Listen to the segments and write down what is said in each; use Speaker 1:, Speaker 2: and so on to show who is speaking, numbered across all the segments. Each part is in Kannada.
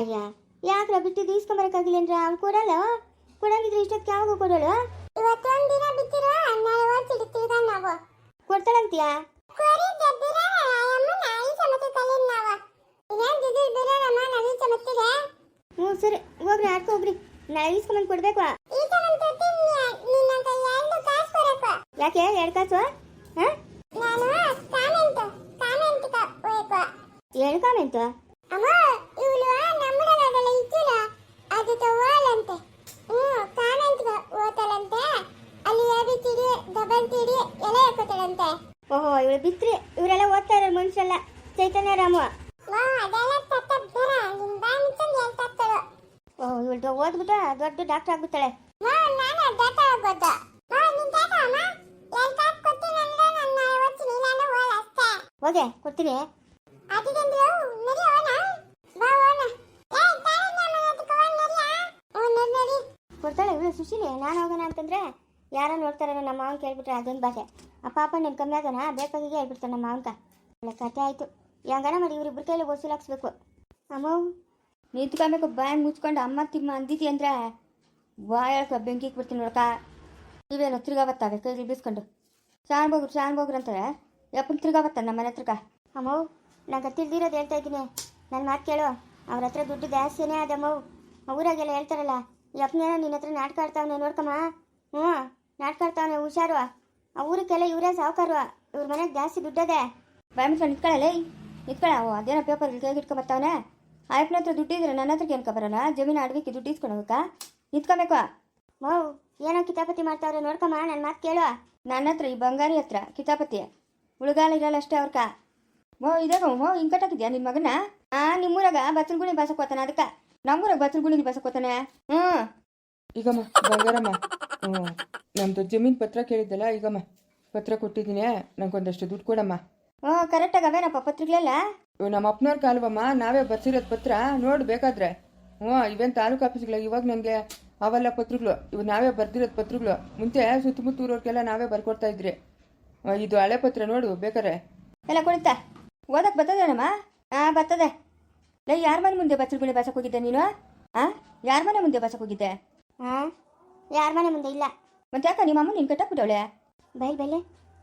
Speaker 1: ಅಯ್ಯ ಯಾಕ್ರ ಬಿಟ್ಟಿದ್ದು ಇಸ್ಕೊಂಬರಕ್ಕಾಗಿಲ್ಲ ಅಂದ್ರೆ ಅವ್ನು ಕೊಡಲ್ಲ. ಕೊಡಂಗಿದ್ರೆ ಇಷ್ಟೊತ್ತಿಗೆ ಯಾವಾಗ ಕೊಡೋಳು?
Speaker 2: ಇವತ್ತೊಂದು ದಿನ ಬಿಟ್ಟಿರೋ ನಾಳೆ ಓದಿಡ್ತೀವಿ ನಾವು.
Speaker 1: ಕೊಡ್ತಾಳಂತೀಯಾ? ಹ್ಞೂ ಸರಿ ಹೋಗ್ರಿ ಆಡ್ಕೊ ಹೋಗ್ರಿ. ನಾಳೆ ಇಸ್ಕೊಂಬಂದು ಕೊಡ್ಬೇಕು. ಯಾಕೆ 2 ಕಾಸು? ಹಾಂ 2 ಕಾಮೆಂಟು? ಓಹೋ ಇವಳು ಬಿತ್ರಿ. ಇವರೆಲ್ಲ ಓದ್ತಾ ಇರೋ ಮನುಷ್ಯಲ್ಲ. ಚೈತನ್ಯ ರಾಮು. ಓಹ್ ಇವಳು ಓದ್ಬಿಟ್ಟು ದೊಡ್ಡ ಡಾಕ್ಟರ್ ಆಗ್ಬಿಡ್ತಾಳೆ. ಹೋಗೆ ಕೊಡ್ತೀನಿ. ಕೊಡ್ತಾಳೆ ಇವಳು ಸುಶೀಲಿ. ನಾನು ಹೋಗೋಣ ಅಂತಂದ್ರೆ ಯಾರೋ ನೋಡ್ತಾರ ನಮ್ಮ ಮಾವನ್ ಕೇಳ್ಬಿಟ್ರೆ ಅದೊಂದು ಭಾಷೆ. ಆ ಪಾಪ ನೀನು ಕಮ್ಮಿ ಆಗೋಣ ಬೇಕಾಗಿಗೆ ಹೇಳ್ಬಿಡ್ತಾನೆ ನಮ್ಮ ಮಾವನ್ಕ. ಒಳ್ಳೆ ಕತೆ ಆಯಿತು. ಹೆಂಗನ ಮಾಡಿ ಇವ್ರಿಬ್ರು ಕೈಲಿ ವಸೂಲಾಕ್ಸ್ಬೇಕು. ಅಮ್ಮ ನಿಂತ್ಕೊಬೇಕು ಬಾಯಿ ಮುಚ್ಕೊಂಡು ಅಮ್ಮ ತಿಮ್ಮ ಅಂದಿತಿ ಅಂದ್ರೆ ಬಾಯಕ ಬೆಂಕಿ ಬಿಡ್ತೀನಿ ನೋಡಕ. ನೀವೇನು ತಿರ್ಗಾ ಬತ್ತಾವೆ ಕೈಲಿ ಬೀಸ್ಕೊಂಡು ಶಾನ್ ಬೋಗ್ರು ಅಂತಾರೆ. ಯಪ್ಪನ ತಿರ್ಗಾ ಬರ್ತಾನೆ ನಮ್ಮ ಮನೆ ಹತ್ರಕ. ಅಮ್ಮ ನಂಗೆ ತಿಳಿದಿರೋದು ಹೇಳ್ತಾ ಇದ್ದೀನಿ. ನನ್ನ ಮಾತು ಕೇಳು. ಅವ್ರ ಹತ್ರ ದುಡ್ಡು ಜಾಸ್ತಿನೇ ಅದಮ್ಮವು. ಊರಾಗೆಲ್ಲ ಹೇಳ್ತಾರಲ್ಲ ಯಪ್ಪನೇನೋ ನಿನ್ನ ಹತ್ರ ನಾಟಕ ಆಡ್ತಾವನೆ ನೋಡ್ಕಮ್ಮ. ಹ್ಞೂ ನಾಟಕ ಆಡ್ತಾವನೆ ಹುಷಾರು. ಆ ಊರಿಗೆಲ್ಲ ಇವರೇ ಸಾವುಕಾರು. ಇವ್ರ ಮನೆಗೆ ಜಾಸ್ತಿ ದುಡ್ಡದೆ. ಬಾಯ್ ಮುಚ್ಕೊಂಡು ನಿಂತ್ಕೊಳ್ಳಲ್ಲ ನಿಂತ್ಕೊಳ್ಳ. ಅದೇನೋ ಪೇಪರ್ ಕೈಗೆ ಇಟ್ಕೊ ಬರ್ತಾವನೆ. ಆಯ್ಪನ ಹತ್ರ ದುಡ್ಡಿದ್ರೆ ನನ್ನ ಹತ್ರಕ್ಕೆ ಏನ್ಕೊ ಬರೋಣ? ಜಮೀನು ಅಡವಿಕ್ಕೆ ದುಡ್ಡು ಇಸ್ಕೊಂಡು ಹೋಗಕ್ಕ ನಿಂತ್ಕೊಬೇಕು. ಮೌ ಏನೋ ಕಿತಾಪತಿ ಮಾಡ್ತಾವ್ರೆ ನೋಡ್ಕಮ್ಮ. ನನ್ನ ಮಾತು ಕೇಳು. ನನ್ನ ಹತ್ರ ಈ ಬಂಗಾರಿ ಹತ್ರ ಕಿತಾಪತಿ ಉಳುಗಾಲ ಇರಲ್ಲ ಅಷ್ಟೇ ಅವ್ರಕ. ಇದಾಗ ಹಿಂಗೆ ಕಟ್ಟಾಕಿದ್ಯಾ ನಿನ್ನ ಮಗನ? ನಿಮ್ಮೂರಾಗ ಬಚ್ಚಲ್ಗುಣಿ ಬಾಸಕ್ಕೆ ಹೋತಾನೆ. ಅದಕ್ಕೆ ನಮ್ಮೂರಾಗ ಬಚ್ಚಲ್ಗುಣಿ ಬಾಸಕ್ಕೆ ಹೋತಾನೆ.
Speaker 3: ಈಗಮ್ಮ ಬಂಗಾರಮ್ಮ, ನಮ್ದು ಜಮೀನು ಪತ್ರ ಕೇಳಿದ್ದಲ್ಲ, ಈಗಮ್ಮ ಪತ್ರ ಕೊಟ್ಟಿದ್ದೀನಿ. ನಂಗೊಂದಷ್ಟು ದುಡ್ಡು ಕೊಡಮ್ಮ.
Speaker 1: ಕರೆಕ್ಟಾಗಿ ಅವೇನಪ್ಪ ಪತ್ರಗಳೆಲ್ಲ?
Speaker 3: ನಮ್ಮ ಅಪ್ಪನವ್ರ ಕಾಲವಮ್ಮ, ನಾವೇ ಬರ್ಸಿರೋದು ಪತ್ರ ನೋಡು ಬೇಕಾದ್ರೆ. ಇವೇನು ತಾಲೂಕು ಆಫೀಸ್ಗಳ ಇವಾಗ ನನಗೆ ಅವೆಲ್ಲ ಪತ್ರಗಳು. ಇವು ನಾವೇ ಬರ್ದಿರೋದು ಪತ್ರಗಳು. ಮುಂಚೆ ಸುತ್ತಮುತ್ತ ಊರವ್ರಿಗೆಲ್ಲ ನಾವೇ ಬರ್ಕೊಡ್ತಾ ಇದ್ರಿ. ಇದು ಹಳೆ ಪತ್ರ ನೋಡು ಬೇಕಾರೆ.
Speaker 1: ಎಲ್ಲ ಕೊಡುತ್ತಾ ಓದಕ್ಕೆ ಬರ್ತದೇನಮ್ಮ? ಬರ್ತದೆ. ಯಾರ ಮನೆ ಮುಂದೆ ಬಚ್ಚಲ್ಗುಣಿ ಬಾಸಕ್ಕೆ ಹೋಗಿದ್ದೆ ನೀನು? ಯಾರ ಮನೆ ಮುಂದೆ ಬಾಸಕ್ಕೆ ಹೋಗಿದ್ದೆ? ಯಾರ ಮನೆ ಮುಂದೆ ಇಲ್ಲ. ಮತ್ತೆ ಯಾಕ ನಿಮ್ಮ ಅಮ್ಮ ನೀನು ಕಟ್ಟಾಕ್ಬಿಟ್ಟವಳೆ? ಬೈಲೆ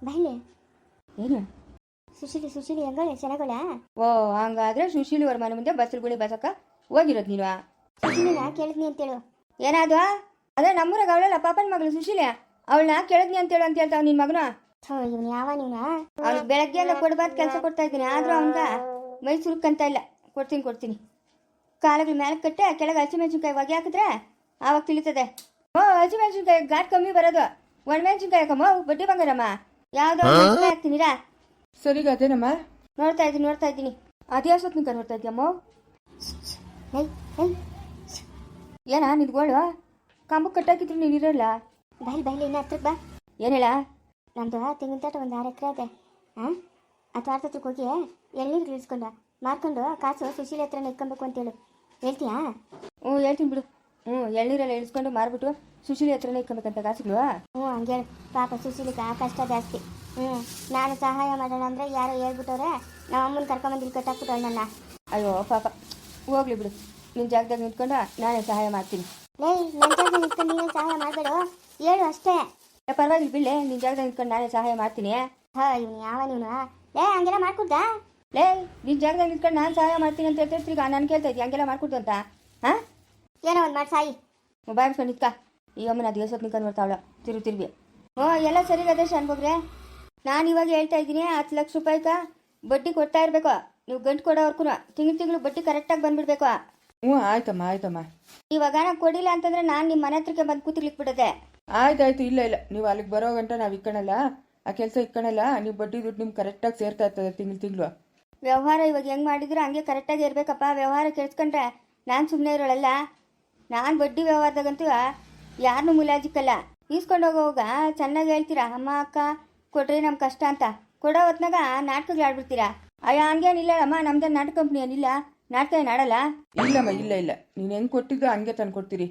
Speaker 1: ಏನು ಸುಶೀಲಿ ಹೆಂಗಳೆ ಚೆನ್ನಾಗಳೆ? ಹಂಗಾದ್ರೆ ಸುಶೀಲಿ ಅವ್ರ ಮನೆ ಮುಂದೆ ಬಚ್ಚಲ್ಗುಣಿ ಬಾಸಕ್ಕ ಹೋಗಿರೋದು ನೀನು? ಸುಶೀಲಿನ ಕೇಳಿದ್ನಿ ಅಂತೇಳು. ಏನಾದ್ವಾ? ಅದೇ ನಮ್ಮೂರಾಗ ಅವಳಲ್ಲ ಪಾಪನ ಮಗಳು ಸುಶೀಲಿ. ಅವಳನ್ನ ಕೇಳಿದ್ನಿ ಅಂತೇಳು ಅಂತ ಹೇಳ್ತಾವ ನಿನ್ನ ಮಗನ. ಇವನು ಯಾವ ನೀನು? ಅವ್ನಿಗೆ ಬೆಳಗ್ಗೆ ಎಲ್ಲ ಕೊಡ್ಬಾರ್ದು ಕೆಲಸ ಕೊಡ್ತಾ ಇದ್ದೀನಿ. ಆದ್ರೂ ಅವನ್ಗ ಮೈ ಸುರುಕಂತ ಇಲ್ಲ. ಕೊಡ್ತೀನಿ. ಕಾಲಗಳ ಮೇಲೆ ಕಟ್ಟೆ ಕೆಳಗೆ ಹಸಿಮೆಣಸಿನ್ಕಾಯಿ ಒಗೆ ಹಾಕಿದ್ರೆ ಆವಾಗ ತಿಳಿತದೆ. ಹಸಿಮೆಣಸಿನ್ಕಾಯಿ ಘಾಟ್ ಕಮ್ಮಿ ಬರೋದು. ಒಣಮೆಣಸಿನ್ಕಾಯಿ ಹಾಕಮ್ಮ ಬಡ್ಡಿ ಬಂಗಾರಮ್ಮ. ಯಾವ್ದೋ ಹಾಕ್ತೀನಿರಾ?
Speaker 3: ಸರಿಗ ಅದೇನಮ್ಮ
Speaker 1: ನೋಡ್ತಾ ಇದ್ದೀನಿ. ಅದೇ ಸೊತ್ನಿಕ ನೋಡ್ತಾ ಇದ್ದೀಯಮ್ಮ. ಏನ ನಿಂತ್ಕೊಳ್ಳು? ಕಂಬಕ್ಕೆ ಕಟ್ಟಾಕಿದ್ರು ನೀನು ಇರಲ್ಲ. ಬೈಲಿ ಇನ್ನು ಹತ್ರಕ್ಕೆ ಬಾ. ಏನು ಹೇಳ? ನಮ್ದು ತೆಂಗಿನ ತೋಟ ಒಂದು 6 ಎಕರೆ ಇದೆ. ಆ ತೋಟಕ್ಕೆ ಹೋಗಿ ಎಳ್ನೀರು ಇಳಿಸ್ಕೊಂಡು ಮಾರ್ಕೊಂಡು ಕಾಸು ಸುಶೀಲಿ ಹತ್ರನೇ ಇಟ್ಕೊಬೇಕು ಅಂತೇಳು. ಹೇಳ್ತೀಯಾ? ಹೇಳ್ತೀನಿ ಬಿಡು. ಎಳ್ನೀರೆಲ್ಲ ಇಳಿಸ್ಕೊಂಡು ಮಾರ್ಬಿಟ್ಟು ಸುಶೀಲಿ ಹತ್ರನೇ ಇಟ್ಕೊಬೇಕಂತ ಕಾಸುಗಳು. ಹಂಗೆ ಹೇಳು. ಪಾಪ ಸುಶೀಲಿಗೆ ಕಷ್ಟ ಜಾಸ್ತಿ. ನಾನು ಸಹಾಯ ಮಾಡೋಣ ಅಂದರೆ ಯಾರೋ ಹೇಳ್ಬಿಟ್ಟವ್ರೆ. ನಮ್ಮ ಅಮ್ಮನ ಕರ್ಕೊಂಬಂದು ಇಲ್ಲಿ ಕಟ್ಟಾಕ್ಬಿಟ್ಟವಳು ನನ್ನ. ಅಯ್ಯೋ ಪಾಪ ಹೋಗ್ಲಿ ಬಿಡು. ನಿನ್ನ ಜಾಗದಾಗ ನಿಂತ್ಕೊಂಡು ನಾನೇ ಸಹಾಯ ಮಾಡ್ತೀನಿ. ನನ್ನ ಜಾಗದಾಗ ನಿಂತ್ಕೊಂಡು ನೀನೇ ಸಹಾಯ ಮಾಡಬೇಡ ಹೇಳು ಅಷ್ಟೇ. ಪರವಾಗಿಲ್ಲ ಬಿಡ್ಲೆ. ನಿನ್ನ ಜಾಗದಾಗ ನಿಂತ್ಕೊಂಡು ನಾನೇ ಸಹಾಯ ಮಾಡ್ತೀನಿ. ಇವನು ಯಾವ ನೀನು? ಹಂಗೆಲ್ಲ ಮಾಡ್ಕೊಡ್ದಾ? ನಿನ್ನ ಜಾಗದಾಗ ನಿಂತ್ಕೊಂಡು ನಾನು ಸಹಾಯ ಮಾಡ್ತೀನಿ ಅಂತ ಹೇಳ್ತೀರಿ. ಈಗ ನಾನು ಕೇಳ್ತಾ ಇದ್ದೀನಿ ಹಂಗೆಲ್ಲ ಮಾಡ್ಕೊಡ್ದು ಅಂತ. ಏನೋ ಒಂದು ಮಾಡಿ ಸಾಯಿ. ಬಾಯ್ಸ್ಕೊಂಡು ನಿಂತ್ಕ. ಈ ಅಮ್ಮನ ಅದು ಎಸೋತ್ ನಿಂತ್ಕೊಂಡು ಬರ್ತಾವಳ ತಿರುಗಿ. ಎಲ್ಲ ಸರಿಗದೆ ಶಾನ್ಬೋಗ್ರೆ. ನಾನು ಇವಾಗ ಹೇಳ್ತಾ ಇದ್ದೀನಿ 10 ಲಕ್ಷ ರೂಪಾಯಿಗ ಬಡ್ಡಿ ಕೊಡ್ತಾ ಇರಬೇಕು. ನೀವು ಗಂಟು ಕೊಡೋವರ್ಗೂ ತಿಂಗಳು ಬಡ್ಡಿ ಕರೆಕ್ಟಾಗಿ ಬಂದ್ಬಿಡ್ಬೇಕು.
Speaker 3: ಆಯ್ತಮ್ಮ.
Speaker 1: ಇವಾಗ ನಾನು ಕೊಡಿಲ್ಲ ಅಂತಂದ್ರೆ ನಾನು ನಿಮ್ಮ ಮನೆ ಹತ್ರಕ್ಕೆ ಬಂದು ಕೂತಿರ್ಲಿಕ್ಕೆ ಬಿಡದೆ.
Speaker 3: ಆಯ್ತಾಯ್ತು. ಇಲ್ಲ ನೀವು ಅಲ್ಲಿಗೆ ಬರೋ ಗಂಟ ನಾವು ಇಕ್ಕಣಲ್ಲ. ಆ ಕೆಲಸ ಇಕ್ಕಣಲ್ಲ. ನೀವು ಬಡ್ಡಿ ದುಡ್ಡು ನಿಮ್ಗೆ ಕರೆಕ್ಟಾಗಿ ಸೇರ್ತಾ ಇರ್ತದೆ ತಿಂಗಳು.
Speaker 1: ವ್ಯವಹಾರ ಇವಾಗ ಹೆಂಗೆ ಮಾಡಿದ್ರು ಹಂಗೆ ಕರೆಕ್ಟಾಗಿ ಇರಬೇಕಪ್ಪ. ವ್ಯವಹಾರ ಕೆಡ್ಸ್ಕೊಂಡ್ರೆ ನಾನು ಸುಮ್ಮನೆ ಇರೋಳಲ್ಲ. ನಾನು ಬಡ್ಡಿ ವ್ಯವಹಾರದಾಗಂತೂ ಯಾರನ್ನೂ ಮುಲಾಜಿಕ್ಕಲ್ಲ. ಈಸ್ಕೊಂಡು ಹೋಗೋವಾಗ ಚೆನ್ನಾಗಿ ಹೇಳ್ತೀರಾ, ಅಮ್ಮ ಅಕ್ಕ ಕೊಡ್ರಿ ನಮ್ಮ ಕಷ್ಟ ಅಂತ. ಕೊಡೋ ಹೊತ್ನಾಗ ನಾಟಕಗಳು ಆಡ್ಬಿಡ್ತೀರಾ. ಅಯ್ಯ ಹಂಗೇನಿಲ್ಲ ಅಮ್ಮ, ನಮ್ದು ನಾಟಕ ಕಂಪ್ನಿ ಏನಿಲ್ಲ. ನಾಟಕ ಏನು ಆಡಲ್ಲ.
Speaker 3: ಇಲ್ಲಮ್ಮ ಇಲ್ಲ. ನೀನು ಹೆಂಗೆ ಕೊಟ್ಟಿದ್ದು ಹಂಗೆ ತಂದು ಕೊಡ್ತೀರಿ.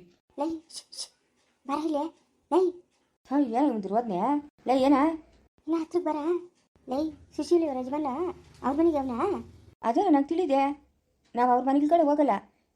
Speaker 1: ಬರಲೇ ಏನು ಒಂದು ಹೋದ್ನೆ ಏನ ಇನ್ನ ಹತ್ರಕ್ಕೆ ಬರ. ಸುಶೀಲಿ ಅವ್ರ ಯಜಮಾನ ಅವ್ರ ಮನೆಗೆ ಅವನ? ಅದೇ ನಂಗೆ ತಿಳಿದೆ. ನಾವು ಅವ್ರ ಮನೆಗಳ ಕಡೆ ಹೋಗಲ್ಲ.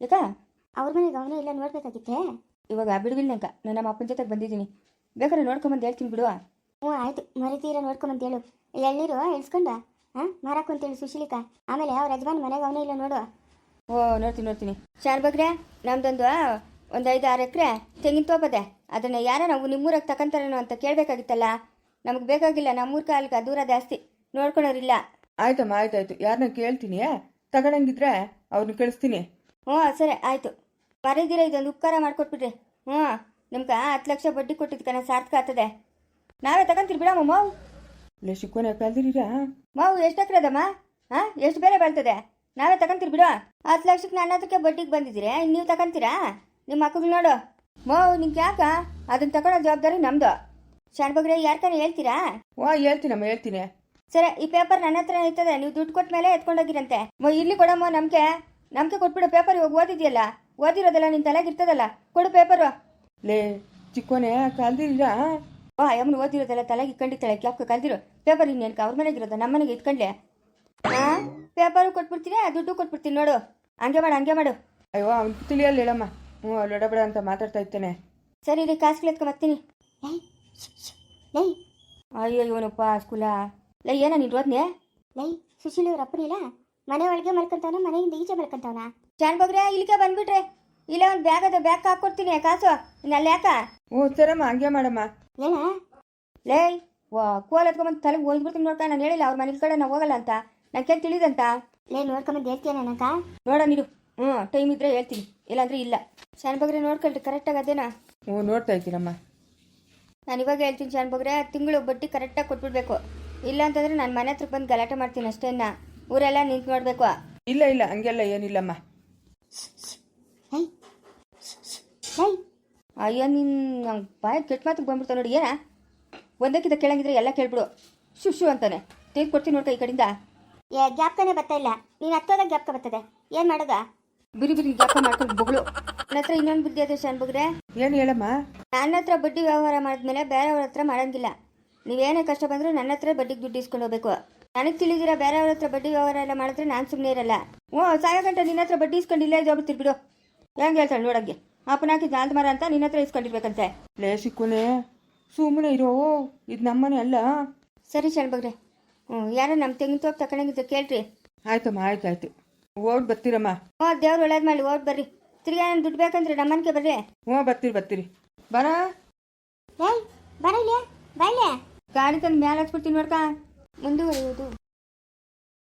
Speaker 3: ಯಾಕ
Speaker 1: ಅವ್ರ ಮನೆಗೆ ಅವನೇ ಇಲ್ಲ ನೋಡ್ಬೇಕಾಗಿತ್ತೇ.
Speaker 3: ಇವಾಗ ಬಿಡುವಿಲ್ಲಂಕ ನಾನು ನಮ್ಮ ಅಪ್ಪನ ಜೊತೆಗೆ ಬಂದಿದ್ದೀನಿ, ಬೇಕಾದ್ರೆ ನೋಡ್ಕೊಂಬಂದು ಹೇಳ್ತೀನಿ ಬಿಡುವ.
Speaker 1: ಹ್ಞೂ ಆಯಿತು, ಮರಿತೀರ ನೋಡ್ಕೊಂಬಂತೇಳು. ಎಳ್ನೀರು ಇಳಿಸ್ಕೊಂಡ ಮಾರಾಕು ಅಂತೇಳಿ ಸುಶೀಲಿಕ. ಆಮೇಲೆ ಅವ್ರ ಯಜಮಾನ್ ಮನೆಗೆ ಅವನೇ ಇಲ್ಲ ನೋಡು.
Speaker 3: ಓ ನೋಡ್ತೀನಿ. ಶಾನ್ ಬಗ್ರೆ, ನಮ್ದೊಂದು 5-6 ಎಕರೆ ತೆಂಗಿನ ತೋಪದೆ, ಅದನ್ನು ಯಾರೋ ನಾವು ನಿಮ್ಮೂರಾಗ ತಗೊಂತಾರೇನೋ ಅಂತ ಕೇಳಬೇಕಾಗಿತ್ತಲ್ಲ. ನಮಗೆ ಬೇಕಾಗಿಲ್ಲ, ನಮ್ಮೂರ ಕಾಲಕ್ಕೆ ದೂರ ಜಾಸ್ತಿ, ನೋಡ್ಕೊಳೋರಿಲ್ಲ. ಆಯ್ತಮ್ಮ ಆಯ್ತಾಯ್ತು, ಯಾರನ್ನ ಕೇಳ್ತೀನಿ, ತಗೊಳಂಗಿದ್ರೆ ಅವ್ರನ್ನ ಕಳಿಸ್ತೀನಿ. ಹ್ಞೂ ಸರಿ ಆಯಿತು. ಮರೀದಿರ ಇದೊಂದು ಉಪಕಾರ ಮಾಡಿಕೊಟ್ಬಿಡ್ರಿ. ಹ್ಞೂ ನಿಮ್ಗೆ 10 ಲಕ್ಷ ಬಡ್ಡಿ ಕೊಟ್ಟಿದ್ಕನ ಸಾರ್ಥಕ ಆಗ್ತದೆ. ನಾವೇ ತಗೊಂತೀರಿ ಬಿಡಮ್ಮ ಮಾವು. ಇಲ್ಲ ಶಿಕ್ಕೋನೆ ಕಲ್ದಿರೀರಾ ಮಾವು? ಎಷ್ಟು ಎಕರೆ ಅದಮ್ಮ? ಎಷ್ಟು ಬೆಲೆ ಬರ್ತದೆ? ನಾವೇ ತಗೊಂತೀರಿ ಬಿಡು. 10 ಲಕ್ಷಕ್ಕೆ ನನ್ನ ಹತ್ರಕ್ಕೆ ಬಡ್ಡಿಗೆ ಬಂದಿದ್ದೀರಿ, ಇನ್ನು ನೀವು ತಗೊಂತೀರಾ? ನಿಮ್ಮ ಮಕ್ಕಳು ನೋಡು ಮಾವು, ನಿಂಗೆ ಯಾಕ ಅದನ್ನ ತಗೊಳ್ಳೋ ಜವಾಬ್ದಾರಿ ನಮ್ದು. ಶಾನ್ ಬಗ್ರೆ ಯಾರ್ಕಾನೆ ಹೇಳ್ತೀರಾ? ಹೇಳ್ತೀನಮ್ಮ ಹೇಳ್ತೀನಿ. ಸರಿ, ಈ ಪೇಪರ್ ನನ್ನ ಹತ್ರ ಇರ್ತದೆ, ನೀವು ದುಡ್ಡು ಕೊಟ್ಟ ಮೇಲೆ ಎತ್ಕೊಂಡೋಗಿರಂತೆ. ಇಲ್ಲಿ ಕೊಡಮ್ಮ, ನಮ್ಗೆ ಕೊಟ್ಬಿಡು ಪೇಪರ್. ಇವಾಗ ಓದಿದ್ಯಲ್ಲ, ಓದಿರೋದಲ್ಲ ನಿನ್ನ ತಲೆಗೆ ಇರ್ತದಲ್ಲ, ಕೊಡು ಪೇಪರು. ಲೇ ಚಿಕ್ಕೋನೆ ಕಲ್ದಿರಾ? ಅಮ್ಮನ ಓದಿರೋದೆಲ್ಲ ತಲೆಗೆ ಇಟ್ಕೊಂಡಿರ್ತಾಳೆ, ಕ್ಯಾಪ್ಗೆ ಕಲ್ದಿರು ಪೇಪರ್. ಇನ್ನೇನ್ಕ ಅವ್ರ ಮನೆಗಿರೋದ, ನಮ್ಮ ಮನೆಗೆ ಇಟ್ಕೊಂಡ್ಲೆ. ಪೇಪರು ಕೊಟ್ಬಿಡ್ತೀನಿ, ದುಡ್ಡು ಕೊಟ್ಬಿಡ್ತೀನಿ ನೋಡು. ಹಂಗೆ ಮಾಡು. ಅಯ್ಯೋ ಅವ್ನು ತಿಳಿಯಲ್ಲ ಹೇಳಮ್ಮ. ಹ್ಞೂ ಲೊಡಬೇಡ ಅಂತ ಮಾತಾಡ್ತಾ ಇರ್ತೇನೆ. ಸರಿ ರೀ, ಕಾಸುಗಳು ಎತ್ಕೊಂಬರ್ತೀನಿ.
Speaker 1: ಲೈ
Speaker 3: ಅಯ್ಯೋ ಇವನಪ್ಪ ಸ್ಕೂಲ. ಲೈ ಏನ ನೀನು ಓದ್ನೆ?
Speaker 1: ಲೈ ಸುಶೀಲಿ ಅವ್ರ ಅಪ್ಪನಿಲ್ಲ, ಮನೆ ಒಳಗೆ ಮಲ್ಕೊಂತವನ, ಮನೆಯಿಂದ ಈಚೆ ಮಲ್ಕೊಂತವನ.
Speaker 3: ಶಾನ್ ಬಗ್ರೆ ಇಲ್ಲಿಗೆ ಬಂದ್ಬಿಟ್ರೆ, ಇಲ್ಲ ಒಂದು ಬ್ಯಾಗ್ ಹಾಕ್ಕೊಡ್ತೀನಿ ಕಾಸು. ಇನ್ನಲ್ಲಿ ಯಾಕ? ಹ್ಞೂ ಸರಮ್ಮ, ಹಂಗೆ ಮಾಡಮ್ಮ.
Speaker 1: ಏನ
Speaker 3: ಲೇ ಕೋಲ್ ಎತ್ಕೊಂಬಂದು ತಲೆಗೆ ಹೋಗ್ಬಿಡ್ತೀನಿ ನೋಡ್ಕ. ನಾನು ಹೇಳಿಲ್ಲ ಅವ್ರ ಮನೆ ಕಡೆ ನಾವು ಹೋಗಲ್ಲ ಅಂತ, ನಂಗೆ ತಿಳಿದಂತ.
Speaker 1: ಲೇ ನೋಡ್ಕೊಂಬಂದು ಹೇಳ್ತೀಯ ನನಕ?
Speaker 3: ನೋಡ ನೀರು. ಟೈಮ್ ಇದ್ರೆ ಹೇಳ್ತೀನಿ, ಇಲ್ಲಾಂದ್ರೆ ಇಲ್ಲ. ಶಾನ್ ಬಗ್ರೆ ನೋಡ್ಕೊಳ್ರಿ ಕರೆಕ್ಟಾಗಿ ಅದೇನಾ? ಹ್ಞೂ ನೋಡ್ತಾ ಇದ್ದೀನಮ್ಮ. ನಾನು ಇವಾಗ ಹೇಳ್ತೀನಿ ಶಾನ್ ಬಗ್ರೆ, ತಿಂಗಳು ಬಡ್ಡಿ ಕರೆಕ್ಟಾಗಿ ಕೊಟ್ಬಿಡ್ಬೇಕು. ಇಲ್ಲ ಅಂತಂದ್ರೆ ನಾನು ಮನೆ ಹತ್ರಕ್ಕೆ ಬಂದು ಗಲಾಟೆ ಮಾಡ್ತೀನಿ ಅಷ್ಟೇನ. ಊರೆಲ್ಲ ನಿಂತು ನೋಡ್ಬೇಕು. ಇಲ್ಲ ಹಂಗೆಲ್ಲ ಏನಿಲ್ಲಮ್ಮ. ಅಯ್ಯೋ ನೀನು ಬಾಯ ಕೆಟ್ಟ ಮಾತಿಗೆ ಬಂದ್ಬಿಡ್ತಾವ ನೋಡಿ. ಏನ ಒಂದಕ್ಕಿಂತ ಕೇಳಂಗಿದ್ರೆ ಎಲ್ಲ ಕೇಳ್ಬಿಡು. ಶು ಅಂತಾನೆ. ತೆಗೆದು ಕೊಡ್ತೀನಿ ನೋಡ್ಕ ಈ ಕಡೆಯಿಂದ.
Speaker 1: ಗ್ಯಾಪ್ಕನೇ ಬರ್ತಾ ಇಲ್ಲ, ನೀನು ಹತ್ತೋದಾಗ ಗ್ಯಾಪ್ಕ ಬರ್ತದೆ. ಏನು ಮಾಡೋದ?
Speaker 3: ಬಿರಿ ಗ್ಯಾಪ ಮಾಡ್ಕೊಂಡು ಬೊಗಳು. ನನ್ನ ಹತ್ರ ಇನ್ನೊಂದು ಬುದ್ಧಿ ಅದೇ ಶಾನ್ ಬಗ್ರೆ. ಏನು ಹೇಳಮ್ಮ? ನನ್ನ ಹತ್ರ ಬಡ್ಡಿ ವ್ಯವಹಾರ ಮಾಡಿದ್ಮೇಲೆ ಬೇರೆಯವ್ರ ಹತ್ರ ಮಾಡಂಗಿಲ್ಲ. ನೀವೇನೇ ಕಷ್ಟ ಬಂದರೂ ನನ್ನ ಹತ್ರ ಬಡ್ಡಿಗೆ ದುಡ್ಡು ಇಸ್ಕೊಂಡು ಹೋಗ್ಬೇಕು. ನನಗೆ ತಿಳಿದಿರ ಬೇರೆಯವ್ರ ಹತ್ರ ಬಡ್ಡಿ ವ್ಯವಹಾರ ಎಲ್ಲ ಮಾಡಿದ್ರೆ ನಾನು ಸುಮ್ಮನೆ ಇರಲ್ಲ. ಸಾಯ ಗಂಟೆ ನಿನ್ನ ಹತ್ರ ಬಡ್ಡಿ ಇಸ್ಕೊಂಡು ಇಲ್ಲೇ ಜೋಬಿಡ್ತೀರಿ ಬಿಡು. ಹೆಂಗೆ ಹೇಳ್ತಾಳೆ ನೋಡಂಗೆ, ಅಪ್ಪನ ಹಾಕಿದ್ದು ನಾಲ್ದು ಮರ ಅಂತ ನಿನ್ನ ಹತ್ರ ಇಸ್ಕೊಂಡಿರ್ಬೇಕಂತೆ. ಲೇ ಸಿಕ್ಕುನೆ ಸುಮ್ಮನೆ ಇರೋ, ಇದು ನಮ್ಮನೆ ಅಲ್ಲ. ಸರಿ ಶಾನ್ ಬಗ್ರೆ, ಯಾರೋ ನಮ್ಮ ತೆಂಗಿನ ತೋಪ್ ತಗೊಂಡಂಗಿದ್ದ ಕೇಳ್ರಿ. ಆಯ್ತಮ್ಮ ಆಯ್ತಾಯ್ತು, ಓಡ್ ಬರ್ತೀರಮ್ಮ. ದೇವ್ರು ಒಳ್ಳೇದು ಮಾಡಿ ಓಡ್ ಬರ್ರಿ. ತಿರ್ಗಾ ನಾನು ದುಡ್ಡು ಬೇಕಂದ್ರೆ ನಮ್ಮನ್ಗೆ ಬರ್ರಿ. ಬರ್ತೀರಿ ಬರ.
Speaker 1: ಬರಲೇ
Speaker 3: ಗಾಡಿ ತಂದು ಮ್ಯಾಲೆ ಹಚ್ಬಿಡ್ತೀನಿ ನೋಡ್ಕ.
Speaker 1: ಮುಂದುವರಿಯುವುದು.